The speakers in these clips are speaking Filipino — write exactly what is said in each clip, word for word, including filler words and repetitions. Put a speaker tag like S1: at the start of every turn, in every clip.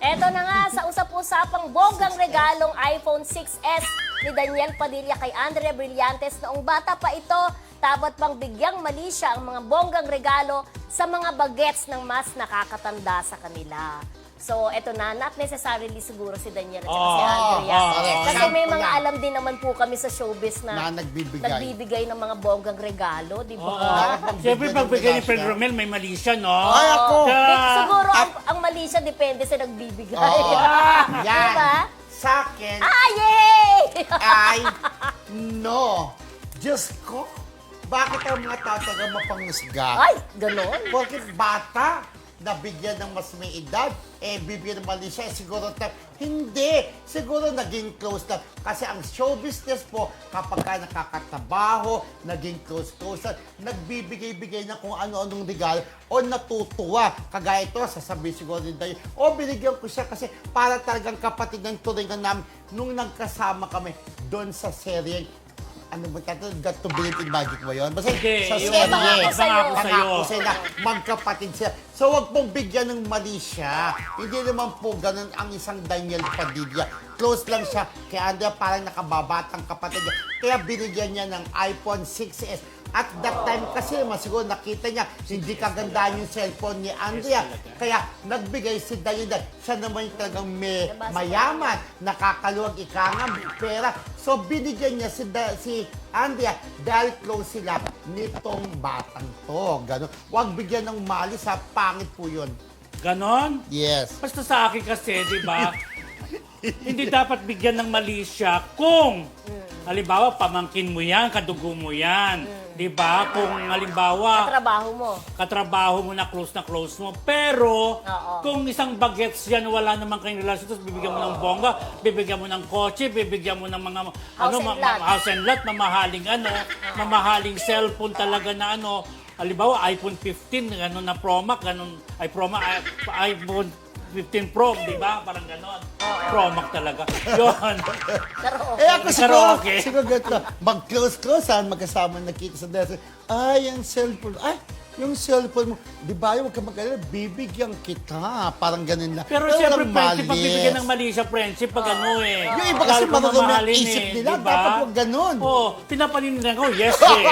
S1: Eto na nga, sa usap-usapang bonggang regalong iPhone six S ni Daniel Padilla kay Andrea Brillantes noong bata pa ito, dapat bang bigyang mali siya ang mga bonggang regalo sa mga bagets ng mas nakakatanda sa kanila. So, eto na, not necessarily siguro si Daniel at saka si
S2: Oh,
S1: Andrea.
S2: oh, correct.
S1: Kasi may
S2: Sample
S1: mga
S2: lang.
S1: alam din naman po kami sa showbiz na,
S2: Na nagbibigay.
S1: nagbibigay ng mga bonggang regalo, di ba?
S2: Oo.
S3: Siyempre,
S2: Bigyan ng
S3: pagbigay ni
S2: bigas
S3: Fred
S2: siya.
S3: Romel, may mali siya, no?
S2: Ay, ako!
S3: Kaya-
S1: Di- siguro ang, ang mali siya depende sa nagbibigay.
S2: Oo. Yan.
S1: Diba?
S2: Sa akin,
S1: Ah, yay!
S2: ay no. Diyos ko, bakit ang mga tao taga mapangusga?
S1: Ay, ganon.
S2: Bakit bata, nabigyan ng mas may edad, eh bibigyan ng mali siya, eh, siguro ta- hindi, siguro naging close na. Kasi ang show business po, kapag ka nakakatabaho, naging close-close na, nagbibigay-bigay na kung ano-anong regalo, o natutuwa. Kagaya ito, sasabihin siguro din tayo, o binigyan ko siya kasi para talagang kapatid ng turingan namin nung nagkasama kami doon sa serye. Ano ba tayo? Got to believe in magic ba yun? Basta
S3: Hindi,
S2: sa
S3: yung
S2: serye.
S1: pangako sa'yo.
S2: Pangako sa'yo na magkapatid sila. So, wag pong bigyan ng mali siya. Hindi naman po ganun ang isang Daniel Padilla. Close lang siya kay Andrea, parang nakababatang kapatid niya. Kaya binigyan niya ng iPhone six S. At that time kasi naman siguro nakita niya hindi kagandaan yung cellphone ni Andrea. Kaya nagbigay si Daniel. Siya naman yung talagang may mayaman, nakakaluwag ikangam, pera. So binigyan niya si, da, si Andrea dahil close sila nitong batang to. Ganun. Huwag bigyan ng mali sa pangit po yun.
S3: Ganon?
S2: Yes.
S3: Basta sa akin kasi, di ba, hindi dapat bigyan ng mali siya kung, halimbawa, pamangkin mo yan, kadugo mo yan. Di ba? Kung halimbawa,
S1: Trabaho mo.
S3: katrabaho mo na close na close mo. Pero,
S1: Oo.
S3: kung isang bagets yan, wala naman kayong relasyon, tapos bibigyan mo ng bongga, bibigyan mo ng kotse, bibigyan mo ng mga ano,
S1: and
S3: ma-
S1: lot.
S3: ma- house and lot, mamahaling ano, mamahaling cellphone talaga na ano, halimbawa, iPhone fifteen, ano na Pro Max, ganun, ay Pro Max, ay, iPhone fifteen Pro, di ba? Parang ganon. Pro Max talaga. Yun.
S1: Pero
S2: Eh
S1: okay.
S2: ako
S3: Pero
S2: siguro,
S3: okay.
S2: siguro ganito, mag-close-close, magkasama nakita sa desk. Ay, yung cellphone. Ay, yung cellphone mo. Di ba, huwag ka mag-alala, bibigyan kita. Parang ganun lang.
S3: Pero siyempre,
S2: walang
S3: friendship, pag
S2: malis.
S3: bibigyan ng mali siya, friendship, pag ano eh.
S2: Yung iba kasi
S3: Lalo kung
S2: marunong yung
S3: mamahalin
S2: isip
S3: eh,
S2: nila,
S3: diba?
S2: dapat huwag ganun.
S3: Oo, pinapanindigan ko, yes eh.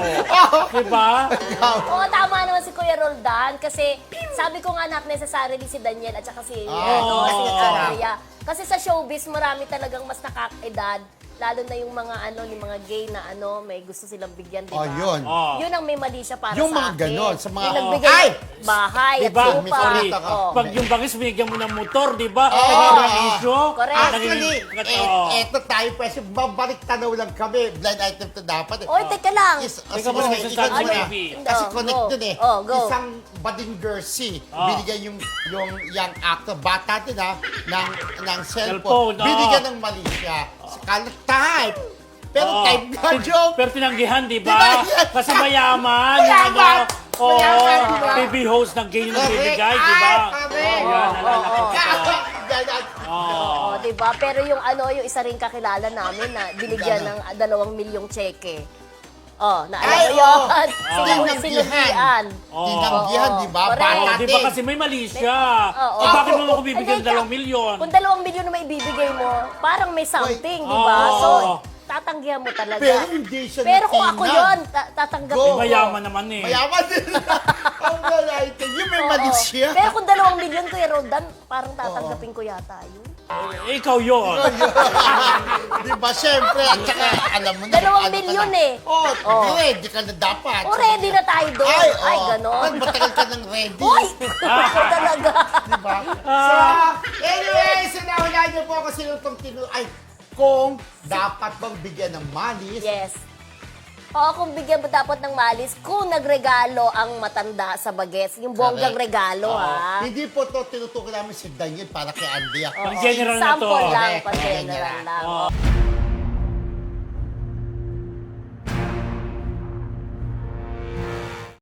S3: Oo. Diba?
S1: Oo, tama naman si Kuya Roldan kasi sabi ko nga not necessarily si Daniel at saka si,
S2: Ah,
S1: ano, si
S3: oo.
S1: Andrea. Kasi sa showbiz, marami talagang mas nakakaedad. Lalo na yung mga ano, yung mga gay na ano, may gusto silang bigyan, di ba?
S2: Oh, yun.
S3: Oh.
S1: Yun ang may mali siya para
S2: Yung
S1: sa
S2: mga
S1: akin.
S2: ganon, sa mga-
S1: Yung nagbigay
S2: Ay!
S1: ng bahay
S3: Diba?
S1: at
S2: May
S1: lupa.
S2: sorry.
S1: Oh.
S3: Pag yung bangis, binigyan mo ng motor, di ba?
S2: Oo.
S3: Naging issue.
S1: Correct.
S2: Actually,
S3: Naging-
S2: eh,
S3: Oo.
S2: eto tayo pwede, babalik tanaw lang kami. Blind item to dapat. eh.
S1: Oy, teka lang.
S2: Is,
S3: Teka
S2: sige,
S3: muna,
S2: sige,
S3: may
S2: ikaw
S3: sasabi
S2: muna.
S3: si B.
S2: Kasi
S1: Oh,
S2: connect
S1: go.
S2: dun eh.
S1: Oh, go.
S2: Isang bading jersey.
S3: Oh.
S2: Binigyan yung, yung young actor, bata din ha, ng, ng cellphone.
S3: Cellphone, oh.
S2: Binigyan ng mali siya. Sa type. Pero
S3: Oo.
S2: type nga,
S3: Tin-
S2: joke.
S3: Pero tinanggihan, di
S2: Diba?
S3: ba? Kasi mayaman.
S2: Mayaman.
S3: Ano, Oo,
S2: Mayaman, diba?
S3: T V host ng ganyan ng
S2: Correct.
S3: bibigay, di ba?
S2: Ay, correct.
S3: Oo, yan, nalala ko pa.
S2: Ganyan.
S3: Oo.
S1: Oh, 'di ba? Pero yung ano, yung isa ring kakilala namin na binigyan ng ah, dalawang milyong cheque. Oh, naalala
S2: Ay,
S1: mo
S2: oo.
S1: yun?
S2: Oh.
S1: Sinu- Sinugian.
S3: Oo.
S2: Tinanggihan,
S1: Oo.
S2: di ba?
S1: Correct.
S3: Oo,
S2: Bata
S3: di ba
S2: din.
S3: kasi may mali siya?
S1: Oo.
S3: O bakit mo ako bibigyan ng
S1: Hindi,
S3: dalawang milyon?
S1: Kung dalawang milyon na may ibibigay mo, parang may something, di ba?
S3: Oo.
S1: So, tatanggihan mo talaga.
S2: Pero hindi siya
S1: Pero kung ako
S2: natinag.
S1: yun, ta- tatanggapin
S2: Go.
S1: ko.
S3: Mayaman naman eh.
S2: Mayaman din. Ang galayte. Yung may
S1: Oo.
S2: mali siya.
S1: Pero kung dalawang milyon, Kuya Roldan, parang tatanggapin ko yata yun.
S3: Eh, ikaw yun.
S2: Di ba, siyempre, at saka, alam mo na.
S1: Dalawang
S2: ano ka
S1: milyon
S2: na.
S1: eh.
S2: Oh,
S1: Oh.
S2: ready ka na dapat.
S1: O, ready na tayo doon.
S2: Ay,
S1: Ay,
S2: oh.
S1: ganon.
S2: Matagal ka ng ready.
S1: Uy! Ako talaga.
S2: Di ba? So, anyway, sinaulan niyo po ako sino itong tinu... Ay, kung dapat bang bigyan ng malis.
S1: Yes. Oo, kung bigyan mo dapat ng malis, kung nagregalo ang matanda sa bagets, yung bonggang
S2: Correct.
S1: regalo, ha?
S2: Hindi po to tinutukoy namin si Daniel para kay Andrea.
S1: Oo,
S3: Pang general na to.
S1: example lang,
S2: Correct.
S1: pang general
S2: General.
S1: lang.
S3: Oo.